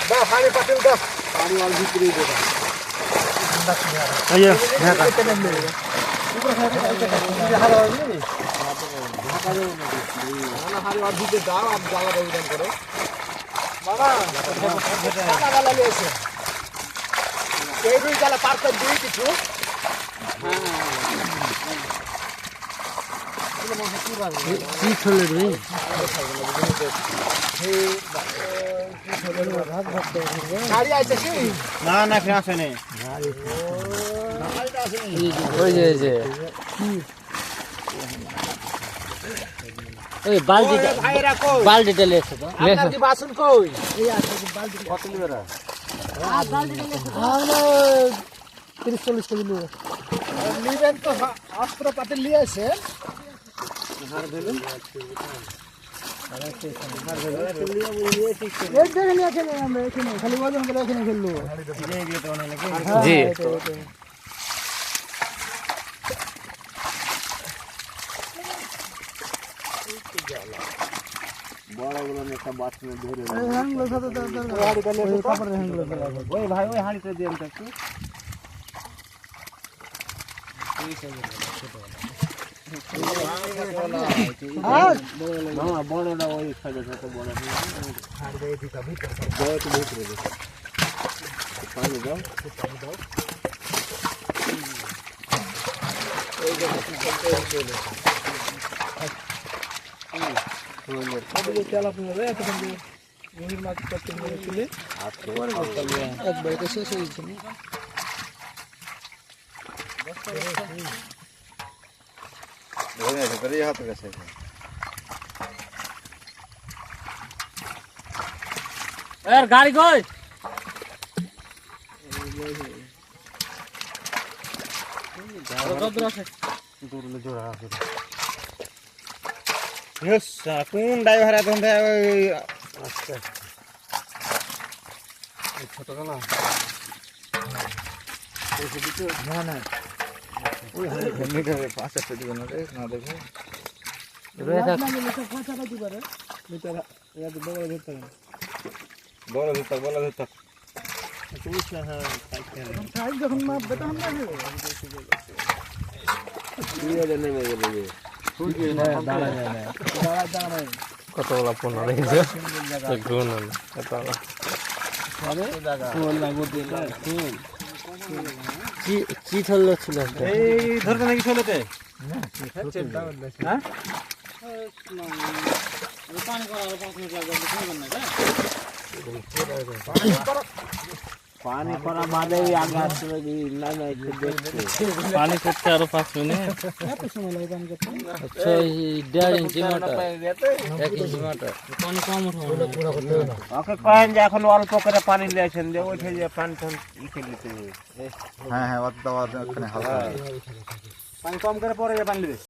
দাও হাড়ি পাতিল দাও পানি অল ভিতরে দাও আইয়া হ্যাঁ উপরে হাড়ি হবে নি ঢাকা দেব না হাড়ি অল ভিতরে দাও আর জ্বালা ব্যবধান করো বাবা জ্বালা জ্বালা লিয়েছে এই দুই জ্বালা পার করে দিই কিছু কি চলে রে গাড়ি আছে কি না না ফিরে আসে নেই ওই যে ওই বালতিটা ভাইরা কই বালতিটা লেছে তো আপনার কি বাসন কই এই আছে বালতি কত লিবেরা বালতিটা লেছে আমরা 30-40 কেজি নিয়ে নিবেন তো অস্ত্র পাতি নিয়ে আসে হার দেবেন এক জায়গায় নিয়ে খেলে আমরা এখানে খালি ওজন করে এখানে খেললো জি বড়গুলো একটা বাথরুমে ধরে হ্যাংলো সাথে দরকার ওই কাপড়ের হ্যাংলো ওই ভাই ওই হাঁড়িটা দিয়ে তো একটু মামা বড়টা ওই সাইডে ছোট বড় পানি দাও একবার তো শেষ হয়েছে এর গাড়ি কই কোন ড্রাইভার এখন আচ্ছা ছোট না না না ওই মিটারে 5 দিবেন না রে না দেখো রয়ে থাক বড় ধরতে যখন মাপবে তখন নেমে গেলে কতগুলা ফোন রেখেছে কি চললো ছিল এই ধরতে নাকি চলেতে হ্যাঁ পানি করা বাদে আগে আসতে না না একটু দেখতে পানি করতে আরো 5 মিনিট এত সময় লাগে গান করতে আচ্ছা 1.5 ইঞ্চি মোটর 1 ইঞ্চি মোটর পানি কম উঠবে ওকে কহেন যে এখন অল্প করে পানি দিয়েছেন যে ওইটা যে পানি টান ইকে দিতে হ্যাঁ হ্যাঁ ওখানে হালকা পানি কম করে পরে পানি দিবে